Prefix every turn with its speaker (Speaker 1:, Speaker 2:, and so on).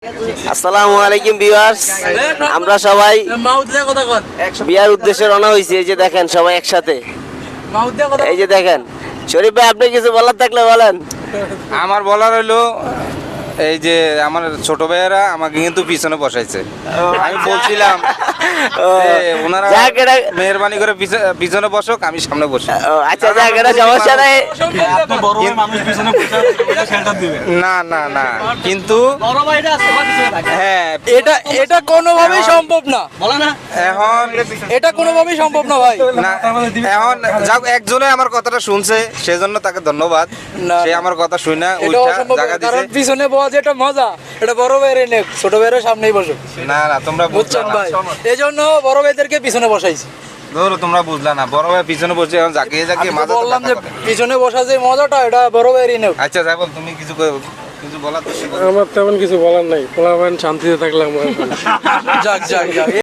Speaker 1: আসসালামু আলাইকুম ভিউয়ার্স, আমরা সবাই বিয়ার উদ্দেশ্যে রওনা হয়েছি। এই যে দেখেন সবাই একসাথে, এই যে দেখেন। শরীফ ভাই, আপনি কিছু বলার থাকলে বলেন।
Speaker 2: আমার বলার হইলো, এই যে আমার ছোট ভাইয়েরা আমাকে কিন্তু পিছনে বসাইছে। আমি বলছিলাম যে ওনারা মেহরবানি করে পিছনে বসুক, আমি সামনে বসি।
Speaker 1: আচ্ছা, যাক, এটা সমস্যা নাই।
Speaker 2: না না না, কিন্তু হ্যাঁ,
Speaker 3: এটা কোনোভাবেই সম্ভব না।
Speaker 2: এখন
Speaker 3: এটা কোনোভাবেই সম্ভব না ভাই।
Speaker 2: না, এখন যাক, একজনে আমার কথাটা শুনছে, সেজন্য তাকে ধন্যবাদ।
Speaker 3: না,
Speaker 2: সে আমার কথা শুনে না
Speaker 3: এটা
Speaker 2: ওইটা
Speaker 3: অসম্ভব,
Speaker 2: জায়গা
Speaker 3: কারণ
Speaker 2: দিছে।
Speaker 3: পিছনে বসা যেটা মজা, এটা বড় ভাইয়ের নেক, ছোট ভাইয়ের সামনেই বসো।
Speaker 2: না না, তোমরা
Speaker 3: বুঝছেন ভাই, এই জন্য বড় ভাইদেরকে পিছনে বসাইছি।
Speaker 2: ধরো তোমরা বুঝলা না, বড় ভাই পিছনে বসে এখন জাকিয়ে
Speaker 3: আমি তো
Speaker 2: মাথা
Speaker 3: বললাম যে পিছনে বসা যে মজাটা, এটা বড় ভাইয়েরই নেক।
Speaker 2: আচ্ছা যাই বল, তুমি কিছু বলার তো
Speaker 4: আমার তেমন কিছু বলার নাই, পোলাপান শান্তিতে থাকলাম।
Speaker 3: যাক যাক যাক।